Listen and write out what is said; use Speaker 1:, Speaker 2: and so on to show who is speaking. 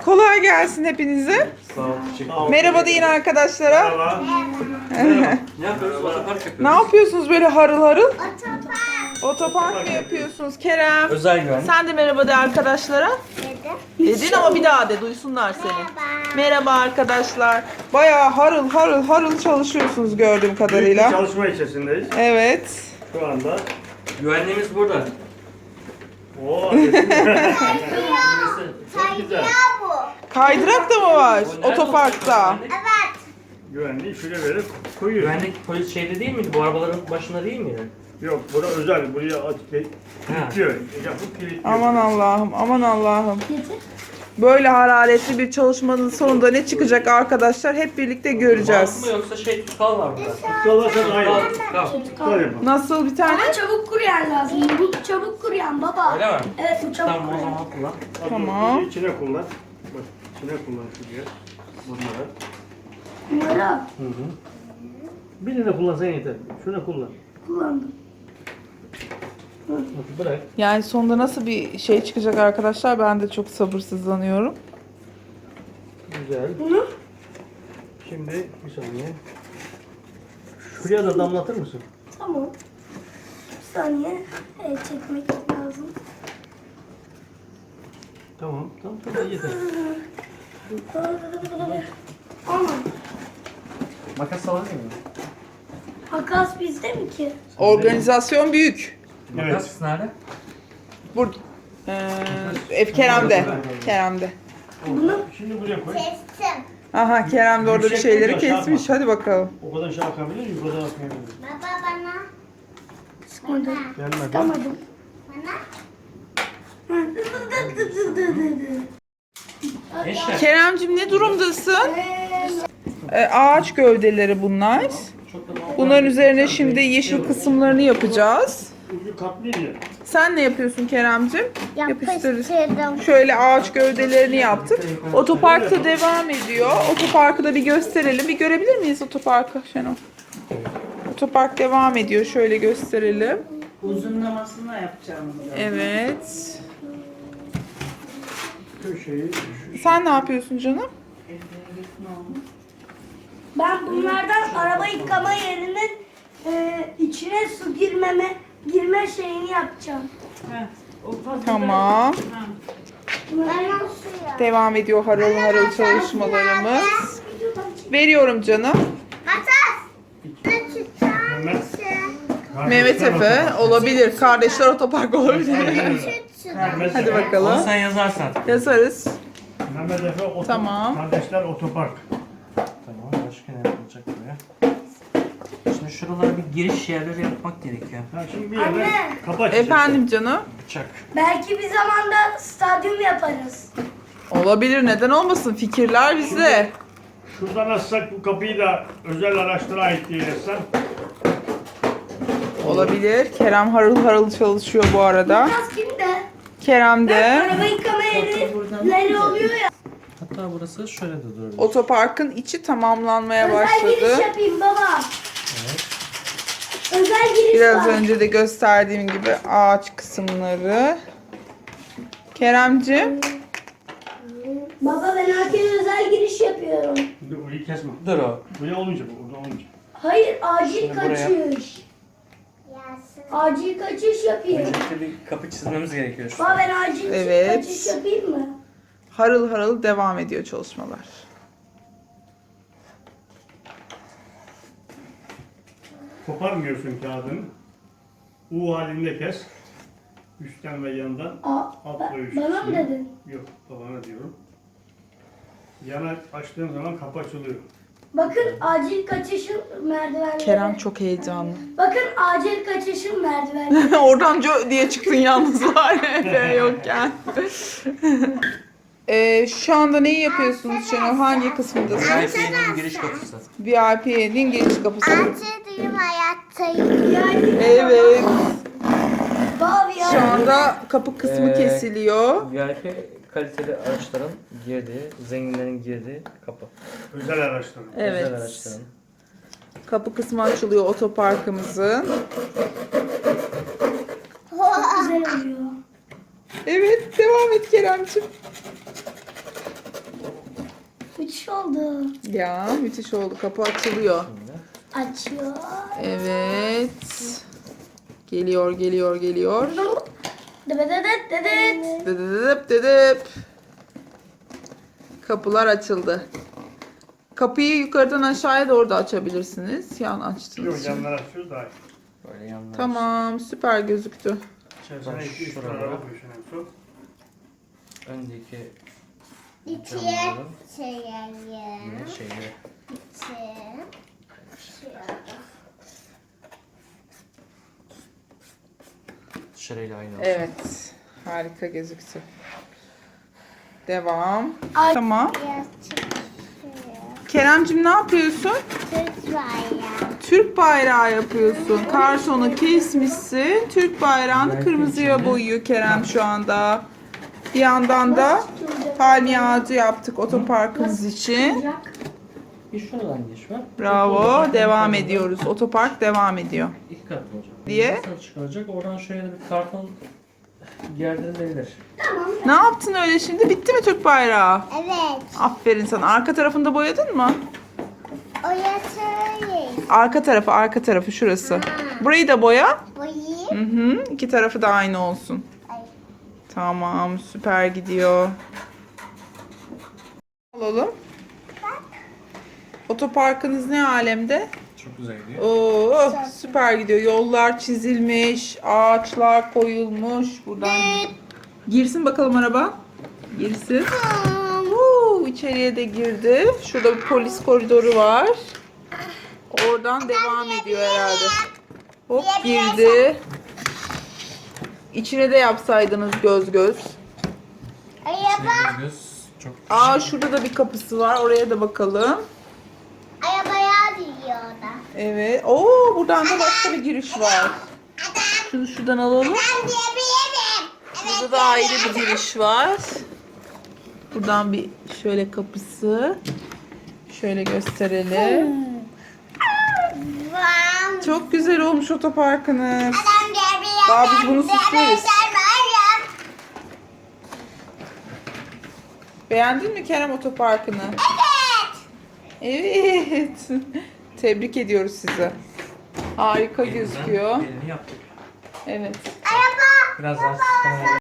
Speaker 1: Kolay gelsin hepinize.
Speaker 2: Sağ ol, teşekkür ederim.
Speaker 1: Merhaba deyin arkadaşlara.
Speaker 2: Merhaba. Ne yapıyoruz? Otopark yapıyoruz.
Speaker 1: Ne yapıyorsunuz böyle harıl harıl? Otopark mı yapıyorsunuz Kerem?
Speaker 2: Özel güvenlik.
Speaker 1: Sen de merhaba de arkadaşlara. Dedin ama bir daha de duysunlar seni. Merhaba arkadaşlar. Bayağı harıl harıl harıl çalışıyorsunuz gördüğüm
Speaker 3: Büyük bir
Speaker 1: kadarıyla.
Speaker 3: çalışma içerisindeyiz
Speaker 1: Evet.
Speaker 3: şu anda.
Speaker 2: Güvenliğimiz burada.
Speaker 3: Oo, çok güzel.
Speaker 1: Kaydırak da mı var otoparkta?
Speaker 3: Güvenliği şuraya verip koyuyor.
Speaker 2: Güvenlik polis şeyde değil miydi? Bu arabaların başında değil miydi?
Speaker 3: Yok, bura özel. Buraya kilitliyor. Yapıp kilitliyor.
Speaker 1: Aman Allah'ım, aman Allah'ım. Böyle hararetli bir çalışmanın sonunda ne çıkacak arkadaşlar hep birlikte göreceğiz.
Speaker 2: Bant mı yoksa şey tutkal var burada.
Speaker 3: Tutkalarsan aynı.
Speaker 2: Tutkal.
Speaker 3: Tutkal yapalım.
Speaker 1: Nasıl bir tane?
Speaker 4: Ama çabuk kuruyan lazım. Bu çabuk kuruyan baba.
Speaker 2: Öyle mi?
Speaker 4: Evet bu çabuk
Speaker 2: Tamam o
Speaker 4: kuruyan.
Speaker 2: zaman kullan.
Speaker 1: Tamam.
Speaker 3: Bunu içine kullan. Bak, içine kullan şuraya. Bunları.
Speaker 4: Bunları
Speaker 3: Birini kullansan yeter. Şunu kullan.
Speaker 4: kullandım.
Speaker 3: Bak, bırak.
Speaker 1: Yani sonunda nasıl bir şey çıkacak arkadaşlar ben de çok sabırsızlanıyorum.
Speaker 3: Güzel.
Speaker 4: Bunu
Speaker 3: Şimdi bir saniye. Şuraya da damlatır mısın?
Speaker 4: tamam. Bir saniye çekmek lazım.
Speaker 3: Tamam. Tamam yeter.
Speaker 4: Ama
Speaker 2: Makas alabilir miyim?
Speaker 4: makas bizde mi ki?
Speaker 1: Organizasyon büyük.
Speaker 2: Makas nerede?
Speaker 1: Burada. Kerem'de. Kerem'de.
Speaker 4: Bunu
Speaker 3: Şimdi buraya koy.
Speaker 1: Aha Kerem de orada bir
Speaker 3: Yüksek
Speaker 1: şeyleri
Speaker 3: bir aşağı
Speaker 1: kesmiş. Hadi bakalım.
Speaker 3: O kadar şey akabilir, yukarıdan akmayabilir.
Speaker 4: sıkmadım.
Speaker 3: Gelmedi.
Speaker 4: Sıkamadım.
Speaker 2: Eşya.
Speaker 1: Keremcim ne durumdasın? Ağaç gövdeleri bunlar. Bunların üzerine şimdi yeşil kısımlarını yapacağız.
Speaker 3: Ucu katlıydı ya.
Speaker 1: Sen ne yapıyorsun Keremcim? Yapıştırırız.
Speaker 4: Yapıştırdım.
Speaker 1: Şöyle ağaç gövdelerini yaptık. Otoparkta devam ediyor. Otoparkı da bir gösterelim. Bir görebilir miyiz otoparkı Şenol? Otopark devam ediyor. Şöyle gösterelim.
Speaker 5: Uzunlamasını yapacağım bunu.
Speaker 1: Evet.
Speaker 3: Köşeyi
Speaker 1: Sen ne yapıyorsun canım?
Speaker 4: Ben bunlardan araba yıkama yerinin içine su girme şeyini yapacağım.
Speaker 5: Heh, o fazla
Speaker 1: Tamam.
Speaker 5: Ha.
Speaker 1: Devam ediyor harıl harıl çalışmalarımız. Veriyorum canım. Mehmet Efe olabilir. Kardeşler otopark olabilir. Hadi
Speaker 2: Onu
Speaker 1: bakalım.
Speaker 2: sen yazarsan.
Speaker 1: Yazarız.
Speaker 3: Mehmet Efe
Speaker 1: Tamam.
Speaker 3: Kardeşler Otopark.
Speaker 2: Tamam başka ne yapılacak buraya? Şimdi şuralara bir giriş yerleri yapmak gerekiyor.
Speaker 3: Ha, şimdi bir yerde
Speaker 4: Anne.
Speaker 3: kapı açacağız.
Speaker 1: Efendim canım.
Speaker 2: Bıçak.
Speaker 4: Belki bir zamanda stadyum yaparız.
Speaker 1: Olabilir. Neden olmasın? Fikirler bizde.
Speaker 3: Şuradan açsak bu kapıyı da özel araçlara ait diye yazsan.
Speaker 1: Olabilir. Kerem harıl harıl çalışıyor bu arada.
Speaker 4: Biraz kimde?
Speaker 1: Kerem de
Speaker 4: Araba yıkama yerleri oluyor ya.
Speaker 2: Hatta burası şöyle de durabilir.
Speaker 1: otoparkın içi tamamlanmaya
Speaker 4: Özel giriş
Speaker 1: başladı.
Speaker 4: yapayım baba. Özel giriş
Speaker 1: Biraz
Speaker 4: var.
Speaker 1: önce de gösterdiğim gibi ağaç kısımları. Keremciğim.
Speaker 4: Baba ben herkese özel giriş yapıyorum.
Speaker 3: Şimdi orayı kesme.
Speaker 2: Dur o.
Speaker 3: Buraya olmayacak, orada olmayacak.
Speaker 4: Hayır acil
Speaker 2: Şimdi buraya-
Speaker 4: kaçış. Acil kaçış yapayım.
Speaker 2: Öncelikle bir kapı çizmemiz gerekiyor.
Speaker 4: Baba ben acil
Speaker 1: Evet.
Speaker 4: kaçış yapayım mı?
Speaker 1: Harıl harıl devam ediyor çalışmalar.
Speaker 3: Koparmıyorsun kağıdını. U halinde kes. Üstten ve yandan. Alt ve üst
Speaker 4: Bana mı
Speaker 3: kısmı.
Speaker 4: dedin?
Speaker 3: Yok, babana diyorum. Yana açtığın zaman kapı açılıyor.
Speaker 4: Bakın acil kaçışın merdivenleri.
Speaker 1: Kerem çok heyecanlı.
Speaker 4: Bakın acil kaçışın merdivenleri.
Speaker 1: Oradan diye çıktın yalnız var Efe yokken. Şu anda neyi yapıyorsunuz Şenol? Hangi kısmındasın?
Speaker 2: VIP'nin giriş kapısı.
Speaker 1: VIP'nin giriş kapısı.
Speaker 6: Antedeyim hayattayım.
Speaker 1: Evet.
Speaker 4: Baba ya.
Speaker 1: Şu anda kapı kısmı kesiliyor.
Speaker 2: VIP kaliteli araçların girdiği, zenginlerin girdiği kapı.
Speaker 3: Özel araçlar.
Speaker 1: Evet.
Speaker 2: Özel araçların.
Speaker 1: Kapı kısmı açılıyor otoparkımızın.
Speaker 4: Çok güzel oluyor.
Speaker 1: Evet, devam et Keremciğim.
Speaker 4: oldu.
Speaker 1: Ya müthiş oldu. Kapı açılıyor.
Speaker 2: Şimdi
Speaker 4: Açıyor.
Speaker 1: Evet. Geliyor.
Speaker 4: Dıbıdıdıt dıdıt.
Speaker 1: Dıdıdıdıp dıdıp. Kapılar açıldı. Kapıyı yukarıdan aşağıya doğru da açabilirsiniz. Yan açtınız.
Speaker 3: Yok
Speaker 1: şimdi.
Speaker 3: yanlar açıyoruz daha iyi.
Speaker 2: böyle yanlar.
Speaker 1: Tamam, süper gözüktü.
Speaker 3: İçerisine
Speaker 2: Bak
Speaker 3: 2-3
Speaker 2: şuralara.
Speaker 3: tane koyuyorsun en son.
Speaker 2: Öndeki
Speaker 6: İçiye
Speaker 2: camların
Speaker 6: çekelim.
Speaker 2: yine şeyleri. Dışarıyla aynı olsun.
Speaker 1: Evet. Harika gözüktü. Devam.
Speaker 4: Ay.
Speaker 1: Tamam.
Speaker 6: Biraz çıkıyor.
Speaker 1: Keremcim ne yapıyorsun?
Speaker 6: Türk bayrağı.
Speaker 1: Türk bayrağı yapıyorsun. Kartonu kesmişsin. Türk bayrağını
Speaker 2: Belki
Speaker 1: kırmızıya
Speaker 2: içinde-
Speaker 1: boyuyor Kerem şu anda. Bir yandan da palmiye ağacı yaptık otoparkımız için.
Speaker 2: Bir şuradan geç var.
Speaker 1: Bravo. Devam ediyoruz. Otopark devam ediyor.
Speaker 2: İki katlı olacak.
Speaker 1: Diye.
Speaker 2: Nasıl çıkaracak? Oradan şöyle bir karton gerdirilebilir.
Speaker 1: Ne yaptın öyle şimdi? Bitti mi Türk bayrağı?
Speaker 6: Evet.
Speaker 1: Aferin sana. Arka tarafını da boyadın mı?
Speaker 6: O yatırıyız.
Speaker 1: Arka tarafı şurası. Burayı da boya.
Speaker 6: Boyayım.
Speaker 1: Hı hı. İki tarafı da aynı olsun.
Speaker 6: Ay.
Speaker 1: Tamam, süper gidiyor. Alalım. Otoparkınız ne alemde?
Speaker 2: Çok güzel gidiyor.
Speaker 1: Oo, süper gidiyor. Yollar çizilmiş, ağaçlar koyulmuş. Buradan girsin bakalım araba. Girsin. İçeriye de girdi. Şurada bir polis koridoru var. Oradan devam ediyor herhalde. Hop girdi. İçine de yapsaydınız göz göz.
Speaker 6: Araba.
Speaker 2: Göz çok
Speaker 1: Aa şurada da bir kapısı var. Oraya da bakalım.
Speaker 6: Arabaya diyor da.
Speaker 1: Evet. Oo buradan da başka bir giriş var. Şunu şuradan alalım.
Speaker 6: Ben diyebilirim.
Speaker 1: Burada da ayrı bir giriş var. Buradan bir şöyle kapısı. Şöyle gösterelim.
Speaker 6: Vam.
Speaker 1: Çok güzel olmuş otoparkınız.
Speaker 6: Ben diyebilirim.
Speaker 1: Daha biz bunu süsleriz. Beğendin mi Kerem otoparkını? Evet. Evet. Tebrik ediyoruz sizi. Harika gözüküyor.
Speaker 2: Elini yaptık.
Speaker 1: Evet.
Speaker 6: Araba.
Speaker 2: Biraz daha